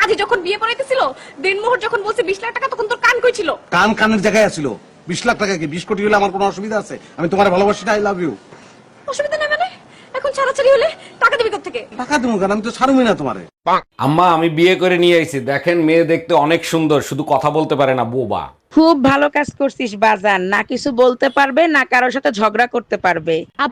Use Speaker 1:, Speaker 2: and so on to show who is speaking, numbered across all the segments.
Speaker 1: কাজী যখন বিয়ে পড়াইতেছিল, দিনমোহর যখন বলছে 20 লাখ টাকা, তখন তোর কান কই ছিল?
Speaker 2: কান কানের জায়গায় আছিল। 20 লাখ টাকা কি 20 কোটি হলে আমার কোনো অসুবিধা আছে? আমি তোমার ভালোবাসি না, আই লাভ ইউ।
Speaker 1: অসুবিধা নেই মানে? এখন ছাড়াছাড়ি হলে টাকা দিবি কোত্থেকে?
Speaker 2: টাকা দেবো কেন? আমি তো ছাড়বই না তোমারে।
Speaker 3: আম্মা আমি বিয়ে করে নিয়ে আইছি, দেখেন মেয়ে দেখতে অনেক সুন্দর, শুধু কথা বলতে পারে না, বোবা।
Speaker 4: খুব ভালো কাজ করছিস বাজান, না কিছু বলতে পারবে না কারোর সাথে ঝগড়া করতে পারবে।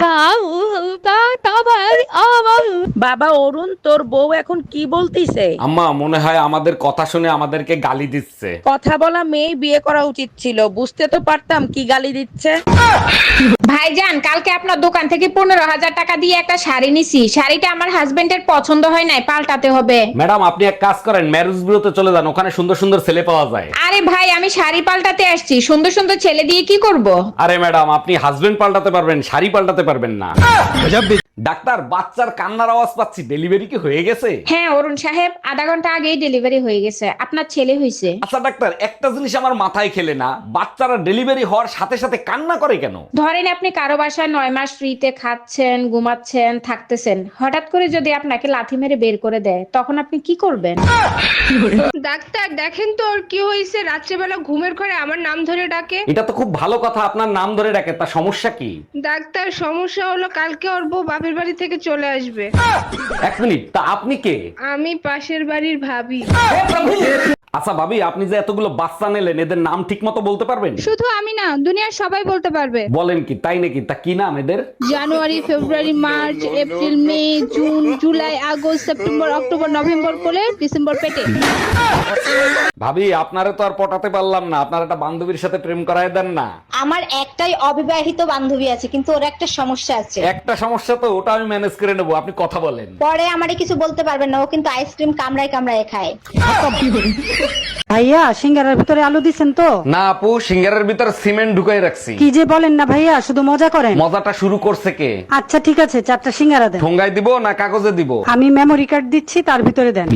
Speaker 4: বাবা অরুণ, তোর বউ এখন কি বলতিছে?
Speaker 3: আম্মা মনে হয় আমাদের কথা শুনে আমাদেরকে গালি দিচ্ছে।
Speaker 4: কথা বলা মেয়ে বিয়ে করা উচিত ছিল, বুঝতে তো পারতাম কি গালি দিচ্ছে।
Speaker 5: ভাইজান, কালকে আপনার দোকান থেকে 15,000 টাকা দিয়ে একটা শাড়ি নিছি। শাড়িটা আমার হাজবেন্ডের পছন্দ হয় নাই, পাল্টাতে হবে।
Speaker 3: ম্যাডাম আপনি এক কাজ করেন, ম্যারেজ বিউরোতে চলে যান, ওখানে সুন্দর সুন্দর ছেলে পাওয়া যায়।
Speaker 5: আরে ভাই, আমি শাড়ি পাল্টাতে আসছি, সুন্দর সুন্দর ছেলে দিয়ে কি করব?
Speaker 3: আরে ম্যাডাম আপনি হাজবেন্ড পাল্টাতে পারবেন, শাড়ি পাল্টাতে পারবেন না। ডাক্তার, বাচ্চার কান্নার আওয়াজ পাচ্ছি, ডেলিভারি কি হয়ে গেছে?
Speaker 5: হ্যাঁ অরুণ সাহেব, আধা ঘন্টা আগেই ডেলিভারি হয়ে গেছে। আপনার ছেলে হয়েছে।
Speaker 3: আচ্ছা ডাক্তার, একটা জিনিস আমার মাথায় খেলে না, বাচ্চারা ডেলিভারি হওয়ার সাথে সাথে কান্না করে কেন?
Speaker 5: ধরেন আপনি কারো বাসায় 9 মাস ফ্রিতে খাচ্ছেন, ঘুমাচ্ছেন, থাকতেছেন, হঠাৎ করে যদি আপনাকে লাথি মেরে বের করে দেয়, তখন আপনি কি করবেন?
Speaker 6: ডাক্তার দেখেন তো ওর কি হয়েছে, রাত্রেবেলা ঘুমের ঘরে আমার নাম ধরে ডাকে।
Speaker 3: এটা তো খুব ভালো কথা, আপনার নাম ধরে ডাকে, তা সমস্যা কি?
Speaker 6: ডাক্তার সমস্যা হলো কালকে ওর বউ বাপের বাড়ি থেকে চলে আসবে।
Speaker 3: এক মিনিট, তা আপনি কে?
Speaker 6: আমি পাশের বাড়ির ভাবি।
Speaker 3: আচ্ছা ভাবি, আপনি যে এতগুলো বাচ্চা নিলেন, এদের নাম ঠিক মতো বলতে পারবেন?
Speaker 6: শুধু আমি না, দুনিয়ার সবাই বলতে পারবে।
Speaker 3: বলেন কি, তাই নাকি? তা কি নাম এদের?
Speaker 6: January, February, March, April, May, June, July, August, September, October, November কোলে, ডিসেম্বর পেটে।
Speaker 3: ভাবি আপনারে তো আর পটাতে পারলাম না, আপনার একটা বান্ধবীর সাথে প্রেম করায় দেন না।
Speaker 7: আমার একটাই অবিবাহিত বান্ধবী আছে, কিন্তু ওর একটা সমস্যা আছে।
Speaker 3: একটা সমস্যা তো, ওটা আমি ম্যানেজ করে নেবো, আপনি কথা বলেন।
Speaker 7: পরে আমারে কিছু বলতে পারবেন না, ও কিন্তু আইসক্রিম কামড়ায় কামড়ায় খায়।
Speaker 8: ভাইয়া সিঙ্গারার ভিতরে আলু দিছেন তো?
Speaker 3: না আপু, সিঙ্গারের ভিতর সিমেন্ট ঢুকাই রাখছি।
Speaker 8: কি যে বলেন না ভাইয়া, শুধু মজা করেন।
Speaker 3: মজাটা শুরু করছে কে?
Speaker 8: আচ্ছা ঠিক আছে, 4টা সিঙ্গারা দেন।
Speaker 3: ঠোঙ্গায় দিব না কাগজে দিব?
Speaker 8: আমি মেমোরি কার্ড দিচ্ছি, তার ভিতরে দেন।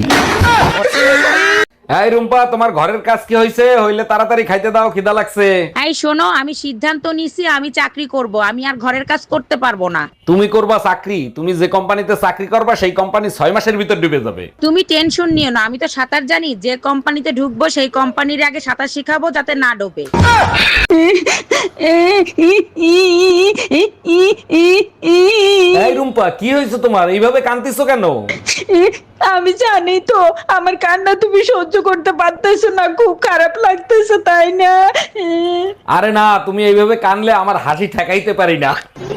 Speaker 3: এই রুম্পা, তোমার ঘরের কাজ কি হয়েছে? হইলে তাড়াতাড়ি খাইতে দাও, খিদা লাগছে।
Speaker 4: এই শোনো, আমি সিদ্ধান্ত নিছি আমি চাকরি করব, আমি আর ঘরের কাজ করতে পারবো না।
Speaker 3: তুমি করবা চাকরি? তুমি যে কোম্পানিতে চাকরি করবা সেই কোম্পানি 6 মাসের ভিতর ডুবে যাবে।
Speaker 4: তুমি টেনশন নিও না, আমি তো সাঁতার জানি, যে কোম্পানিতে ঢুকবো সেই কোম্পানির আগে সাঁতার শিখাবো যাতে না ডোবে।
Speaker 3: এই রুম্পা, কি হয়েছে তোমার? এইভাবে কাঁদতেছো কেন?
Speaker 4: আমি জানি তো আমার কান্না তুমি সহ্য করতে পারতেছো না, খুব খারাপ লাগতেছে তাই না?
Speaker 3: আরে না, তুমি এইভাবে কানলে আমার হাসি ঠেকাইতে পারি না।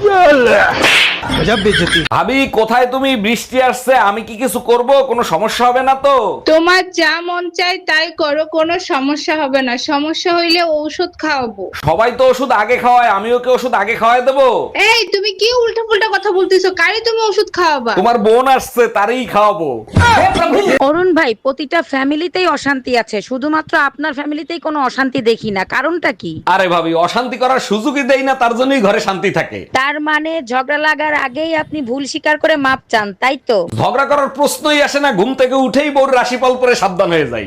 Speaker 3: ভাবি কোথায় তুমি? বৃষ্টি আসছে, আমি কি কিছু করব? কোনো সমস্যা হবে না তো?
Speaker 6: তোমার যা মন চায় তাই করো, কোনো সমস্যা হবে না। সমস্যা হইলে ঔষধ খাওয়াবো।
Speaker 3: সবাই তো ওষুধ আগে খাওয়ায়, আমিও কি ওষুধ আগে খাওয়াই দেবো?
Speaker 6: এই তুমি কি উল্টা পুল্টা কথা বলতেছো? কারে তুমি ওষুধ খাওয়াবা?
Speaker 3: তোমার বোন আসছে, তারই খাওয়াবো।
Speaker 4: অরুণ ভাই, প্রতিটা ফ্যামিলিতেই অশান্তি আছে, শুধুমাত্র আপনার ফ্যামিলিতেই কোনো অশান্তি দেখি না, কারণটা কি?
Speaker 3: আরে ভাবি, অশান্তি করার সুযোগই দেই না, তার জন্যই ঘরে শান্তি থাকে।
Speaker 4: তার মানে ঝগড়া লাগার আগেই আপনি ভুল স্বীকার করে মাপ চান, তাই তো?
Speaker 3: ঝগড়া করার প্রশ্নই আসে না, ঘুম থেকে উঠেই বউর রাশিফল পরে সাবধান হয়ে যাই।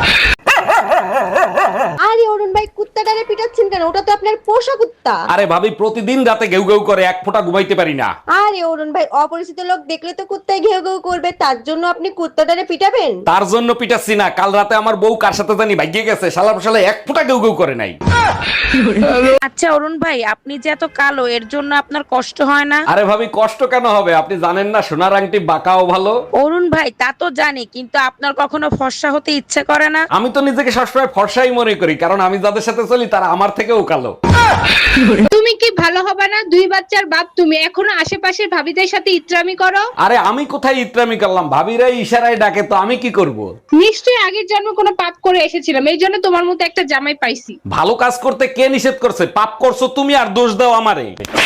Speaker 7: আরে অরুণ ভাই, কুত্তাটারে পিটাচ্ছেন কেন? ওটা তো আপনার পোষা কুত্তা।
Speaker 3: আরে ভাবি, প্রতিদিন রাতে ঘেউ ঘেউ করে, এক ফোঁটা ঘুমাইতে পারি না।
Speaker 7: আরে অরুণ ভাই, অপরিচিত লোক দেখলে তো কুত্তায় ঘেউ ঘেউ করবে, তার জন্য আপনি কুত্তাটারে পিটাবেন?
Speaker 3: তার জন্য পিটাচ্ছি না, কাল রাতে আমার বউ কার সাথে জানি ভাগিয়ে গেছে, শালা শালা এক ফোঁটা ঘেউ ঘেউ করে নাই।
Speaker 4: আচ্ছা অরুণ ভাই, আপনি যে এত কালো, এর জন্য আপনার কষ্ট হয় না?
Speaker 3: আরে ভাবি, কষ্ট কেন হবে? আপনি জানেন না সোনার আংটি বাঁকাও ভালো?
Speaker 4: অরুণ ভাই তা তো জানি, কিন্তু আপনার কখনো ফর্সা হতে ইচ্ছে করে না?
Speaker 3: আমি তো নিজেকে সবসময় ফর্সাই মনে করি, কারণ আমি যাদের সাথে চলি তারা আমার থেকেও কালো।
Speaker 6: তুমি কি ভালো হবে না? 2 বাচ্চার বাপ তুমি, এখনো আশেপাশের ভাবিদের সাথে ইত্রামি করো।
Speaker 3: আরে আমি কোথায় ইত্রামি করলাম? ভাবিরাই ইশারায় ডাকে, তো আমি কি করব?
Speaker 6: নিশ্চয়ই আগের জন্মে কোনো পাপ করে এসেছিলাম, এই জন্য তোমার মতো একটা জামাই পাইছি।
Speaker 3: ভালো কাজ করতে কে নিষেধ করছে? পাপ করছো তুমি, আর দোষ দাও আমারে।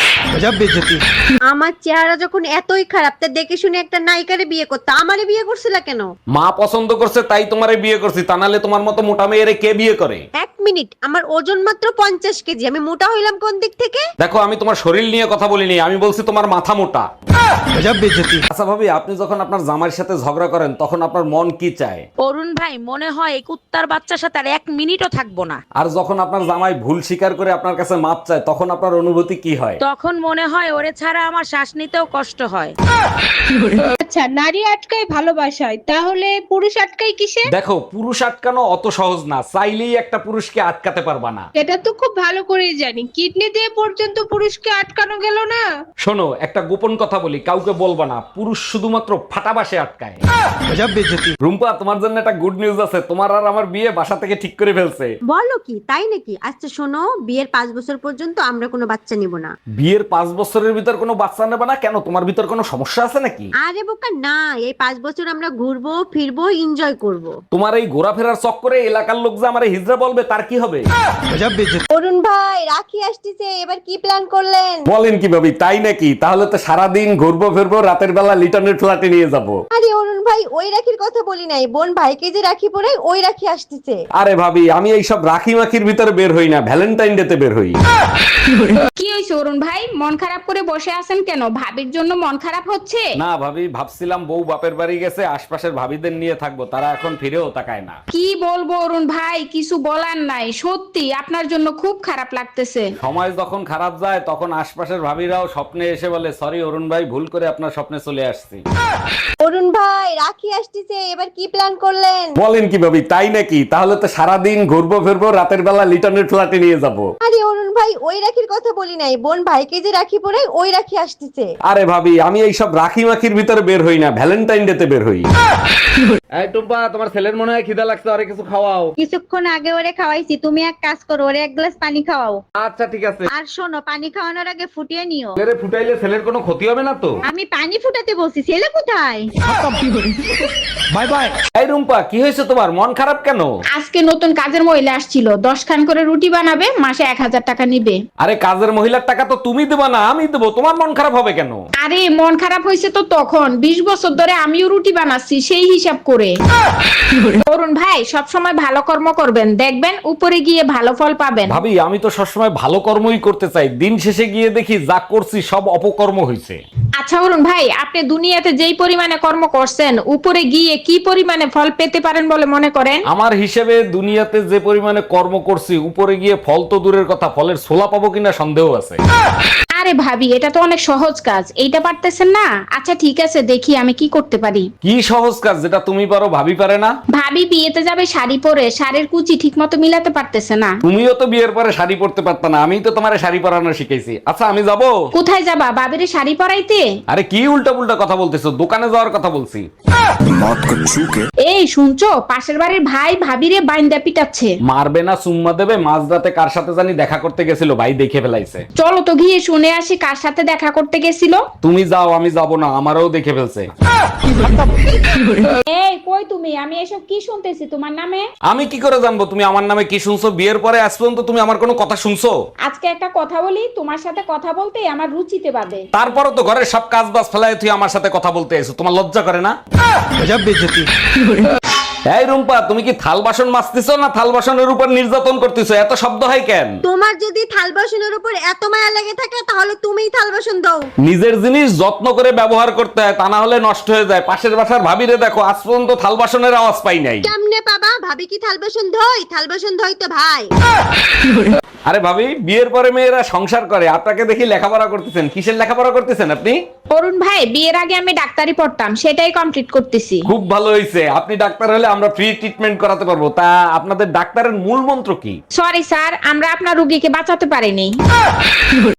Speaker 7: আমার চেহারা যখন এতই খারাপ, তা দেখে শুনে একটা নায়িকারে বিয়ে করতে আমারে বিয়ে করছিলা কেন?
Speaker 3: মা পছন্দ করছে তাই তোমারে বিয়ে করছি, তা নাহলে তোমার মতো মোটা মেয়েরে কে বিয়ে করে?
Speaker 7: 1 মিনিট, আমার ওজন মাত্র 50 কেজি, আমি মোটা হইলাম কোন দিক থেকে?
Speaker 3: দেখো আমি তোমার শরীর নিয়ে কথা বলিনি, আমি বলছি তোমার মাথা মোটা। আচ্ছা ভাবি, আপনি যখন আপনার জামাইয়ের সাথে ঝগড়া করেন তখন আপনার মন কি চায়?
Speaker 4: অরুণ ভাই, মনে হয় এই কুত্তার বাচ্চার সাথে আর 1 মিনিটও থাকবো না।
Speaker 3: আর যখন আপনার জামাই ভুল স্বীকার করে আপনার কাছে মাপ চায় তখন আপনার অনুভূতি কি হয়?
Speaker 4: তখন মনে হয় ওরে ছাড়া আমার শ্বাস নিতেও কষ্ট হয়।
Speaker 6: আচ্ছা, নারী আটকায় ভালোবাসায়, তাহলে পুরুষ আটকায় কিসে?
Speaker 3: দেখো, পুরুষ আটকানো অত সহজ না, চাইলেই একটা পুরুষকে আটকাতে পারবা না।
Speaker 6: এটা তো খুব ভালো করেই জানি, কিডনি দিয়ে পর্যন্ত পুরুষকে আটকানো গেল না।
Speaker 3: শোনো, একটা গোপন কথা বলি, কাউকে বলবা না, পুরুষ শুধুমাত্র ফাটাবাসে আটকায়। রুম্পা, তোমার জন্য একটা গুড নিউজ আছে, তোমার আর আমার বিয়ে বাসা থেকে ঠিক করে ফেলছে।
Speaker 7: বলো কি, তাই নাকি? আচ্ছা শোনো, বিয়ের 5 বছর পর্যন্ত আমরা কোনো বাচ্চা নিব না।
Speaker 3: বিয়ের 5 বছরের ভিতর কোনো বাচ্চা নেবে না কেন? তোমার ভিতর কোনো সমস্যা আছে নাকি?
Speaker 7: আরে বোকা না, এই 5 বছর আমরা ঘুরবো ফিরবো এনজয় করব।
Speaker 3: তোমার এই ঘোরাফেরার চক্করে এলাকার লোক যে আমারে হিজড়া বলবে তার কি হবে?
Speaker 7: অরুণ ভাই, রাখি আসতেছে, এবার কি প্ল্যান করলেন?
Speaker 3: বলেন কি ভাবি, তাই নাকি? তাহলে তো সারাদিন ঘুরবো ফিরবো, রাতের বেলা লিটনের ফ্ল্যাটে নিয়ে যাব।
Speaker 7: আরে অরুণ ভাই, ওই রাখির কথা বলি নাই, বোন ভাইকে যে রাখি পরে ওই রাখি আসতেছে।
Speaker 3: আরে ভাবি, আমি এইসব রাখি মাখির ভিতরে বের হই না, ভ্যালেন্টাইন ডে তে বের হই।
Speaker 5: কি হয়েছে অরুণ ভাই, মন খারাপ করে বসে আছেন কেন? ভাবির জন্য মন খারাপ হচ্ছে?
Speaker 3: না ভাবি, ভাবছিলাম বউ বাপের বাড়ি গেছে, আশপাশের ভাবিদের নিয়ে থাকবো, তারা এখন ফিরেও তাকায় না।
Speaker 5: কি বলবো অরুণ ভাই, কিছু বলার নাই, সত্যি আপনার জন্য খুব খারাপ লাগতেছে।
Speaker 3: সময় যখন খারাপ যায় তখন আশপাশের ভাবিরাও স্বপ্নে এসে বলে, সরি অরুণ ভাই, ভুল করে আপনার স্বপ্নে চলে আসছি।
Speaker 7: অরুণ ভাই, রাখি আসতেছে, এবার কি প্ল্যান করলেন?
Speaker 3: বলেন কি ভাবি, তাই নাকি? তাহলে তো সারাদিন ঘুরবো ফিরবো, রাতের বেলা লিটনের ফ্ল্যাটে নিয়ে যাব।
Speaker 7: আরে অরুণ ভাই, ওই রাখির কথা বলি নাই, বোন ভাইকে যে রাখি পরে ওই রাখি আসতেছে।
Speaker 3: আরে ভাবি, আমি এইসব রাখি মাখির ভিতরে বের হই না, ভ্যালেন্টাইন ডে তে বের হই। এই টুম্পা, তোমার ছেলের মনে হয় খিদা লাগছে, আরে কিছু খাওয়াও।
Speaker 6: কিছুক্ষণ আগে ওরে খাওয়াইছি, তুমি এক কাজ করো, ওরে 1 গ্লাস পানি খাওয়াও।
Speaker 3: আচ্ছা ঠিক আছে।
Speaker 6: আর শোনো, পানি খাওয়ানোর আগে ফুটিয়ে নিও।
Speaker 3: ছেলেরে ফুটাইলে ছেলের কোনো ক্ষতি হবে না তো?
Speaker 6: আমি পানি ফুটাতে বলছি, ছেলে কোথায়?
Speaker 3: Bye bye. এই রুম্পা, কি হয়েছে তোমার? মন খারাপ কেন?
Speaker 5: আজকে নতুন কাজের মহিলা আসছিল, 10 খান করে রুটি বানাবে, মাসে 1000 টাকা নিবে।
Speaker 3: আরে কাজের মহিলার টাকা তো তুমি দেবা না, আমি দেবো, তোমার মন খারাপ হবে কেন?
Speaker 5: আরে মন খারাপ হয়েছে তো তখন, 20 বছর ধরে আমিও রুটি বানাচ্ছি সেই হিসাব করে। অরুণ ভাই, সব সময় ভালো কর্ম করবেন, দেখবেন উপরে গিয়ে ভালো ফল পাবেন।
Speaker 3: ভাবি, আমি তো সবসময় ভালো কর্মই করতে চাই, দিন শেষে গিয়ে দেখি যা করছি সব অপকর্ম হয়েছে।
Speaker 5: আচ্ছা অরুণ ভাই, আপনি দুনিয়াতে যেই পরিমাণে কর্ম করছেন, উপরে গিয়ে কি পরিমাণে ফল পেতে পারেন বলে মনে করেন?
Speaker 3: আমার হিসেবে দুনিয়াতে যে পরিমাণে কর্ম করছি, উপরে গিয়ে ফল তো দূরের কথা, ফলের ছোলা পাবো কিনা সন্দেহ আছে।
Speaker 5: আরে ভাবি, এটা তো অনেক সহজ কাজ, এইটা পারতেছেন না? আচ্ছা ঠিক আছে, দেখি আমি কি করতে পারি।
Speaker 3: কি সহজ কাজ যেটা তুমি পারো ভাবি পারে না?
Speaker 5: ভাবি বিয়েতে যাবে শাড়ি পরে, শাড়ির কুচি ঠিক মতো মিলাতে পারতেছে না।
Speaker 3: তুমিও তো বিয়ের পরে শাড়ি পরতে পারতা না, আমি তো তোমারে শাড়ি পরানো শিখাইছি। আচ্ছা আমি যাবো।
Speaker 5: কোথায় যাবা? ভাবিরে শাড়ি পরাইতে?
Speaker 3: আরে কি উল্টা পুল্টা কথা বলতেছো, দোকানে যাওয়ার কথা বলছি।
Speaker 5: এই শুনছো, পাশের বাড়ির ভাই ভাবিরে বাইন্দা পিটাচ্ছে।
Speaker 3: মারবে না চুম্মা দেবে, মাঝরাতে কার সাথে জানি দেখা করতে গেছিল, ভাই দেখে ফেলাইছে।
Speaker 5: চলো তো গিয়ে শুনে আসি কার সাথে দেখা করতে গেছিল।
Speaker 3: তুমি যাও, আমি যাব না, আমারও দেখে ফেলছে।
Speaker 5: এই কই তুমি? আমি এসব কি শুনতেছি তোমার নামে?
Speaker 3: আমি কি করে জানবো তুমি আমার নামে কি শুনছো? বিয়ের পরে আজ পর্যন্ত তুমি আমার কোনো কথা শুনছো?
Speaker 5: আজকে একটা কথা বলি, তোমার সাথে কথা বলতে আমার রুচিতে বাদে।
Speaker 3: তারপরও তো ঘরের সব কাজ বাজ ফেলায় তুই আমার সাথে কথা বলতে এসো, তোমার লজ্জা করে না? এই রুম্পা, তুমি কি থাল বাসন মাজতেছো না থাল বাসনের উপর নির্যাতন করতেছো? এত শব্দ হয় কেন?
Speaker 7: তোমার যদি থাল বাসনের উপর এত মায়া লেগে থাকে তাহলে তুমিই থাল বাসন দাও।
Speaker 3: নিজের জিনিস যত্ন করে ব্যবহার করতে হয়, তা না হলে নষ্ট হয়ে যায়। পাশের বাসার ভাবিরে দেখো, আজ পর্যন্ত থাল বাসনের আওয়াজ পাই নাই।
Speaker 7: কেমনে পাবা? ভাবি কি থাল বাসন ধোয়? থাল বাসন ধোয় তো ভাই।
Speaker 3: আরে ভাবি, বিয়ের পরে মেয়েরা সংসার করে, আপনাকে দেখি লেখাপড়া করতেছেন। কিসের লেখাপড়া করতেছেন আপনি?
Speaker 5: অরুণ ভাই, বিয়ের আগে আমি ডাক্তারি পড়তাম, সেটাই কমপ্লিট করতেছি।
Speaker 3: খুব ভালো হয়েছে, আপনি ডাক্তার হলে আমরা ফ্রি ট্রিটমেন্ট করাতে পারবো। তা আপনাদের ডাক্তারের মূল মন্ত্র কি?
Speaker 5: সরি স্যার, আমরা আপনার রোগীকে বাঁচাতে পারিনি।